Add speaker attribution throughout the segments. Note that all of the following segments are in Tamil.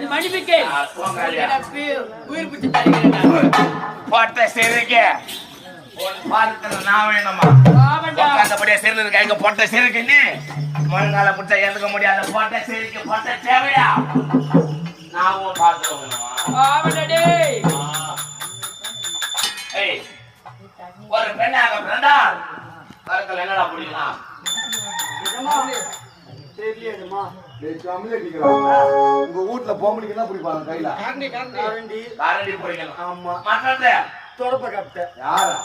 Speaker 1: மன்னிப்புக்கு உயிர் பிடிச்சு தருகிறேன்.
Speaker 2: போட்ட சிறுக்கு உன் பாதத்துல நான் வேணுமா? உட்காந்தபடியே சிறுக்கு எங்க போட்ட சிறுக்கு நீ முழங்கால பிடிச்சா எழுதுக்க முடியாத போட்ட சிறுக்கு போட்ட தேவையா? நான் உன் பாதத்துல வேணுமா? ஒரு பெண்ணாக பிறந்தால் கருக்கல் என்னடா பிடிக்கலாம்?
Speaker 3: உங்க வீட்டுல பொம்பளைக்கு என்ன பிடிப்பாங்க கையில?
Speaker 2: கரண்டி பிடிக்கலாம். ஆமா. மற்றது
Speaker 3: தொடப்ப கட்ட யாரா?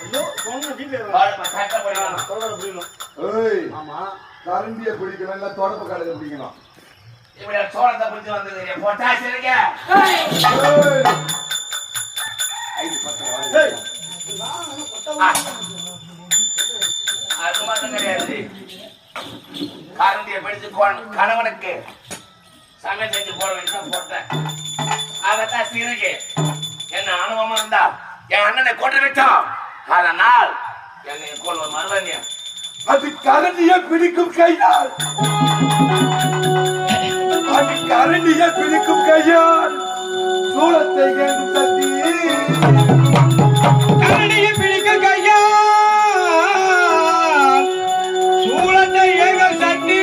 Speaker 3: கரண்டிய பிடிக்கணும் இல்ல தொடப்ப கடையை பிடிக்கணும்.
Speaker 2: இப்படி சோளத்தை பிடிச்சு வந்தது போட்டா சரிங்க. அது மட்டும் கிடையாது. கரண்டியை பிடிச்சு கணவனுக்கு சமையல் செஞ்சு போட வேண்டியதான் போட்டேன். அதத்தான் சிறுகி என்ன அனுபவம் இருந்தா என் அண்ணனை கொண்டு விட்டோம். அதனால் என்னை கொள்வ மறுவங்க.
Speaker 3: அது கரண்டியை பிடிக்கும் கையால், அது கரண்டியை பிடிக்கும் கையால் சூளத்தை கேட்கும் சக்தி.
Speaker 4: கரண்டியை பிடிக்கும் கையால் சூளத்தை ஏகும் சக்தி.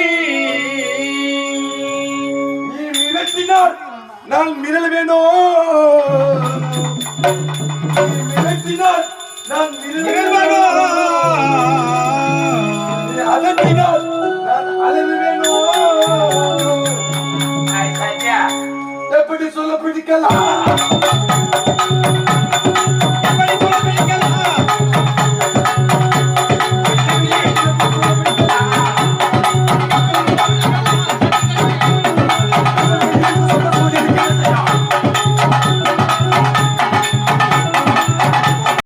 Speaker 3: நீ மிரட்டினால் நான் மிரள வேணும். மிரட்டினால் நான் மிரள அதட்டினால் நான் அழகு வேணும். எப்படி சொல்ல பிடிக்கலாம்?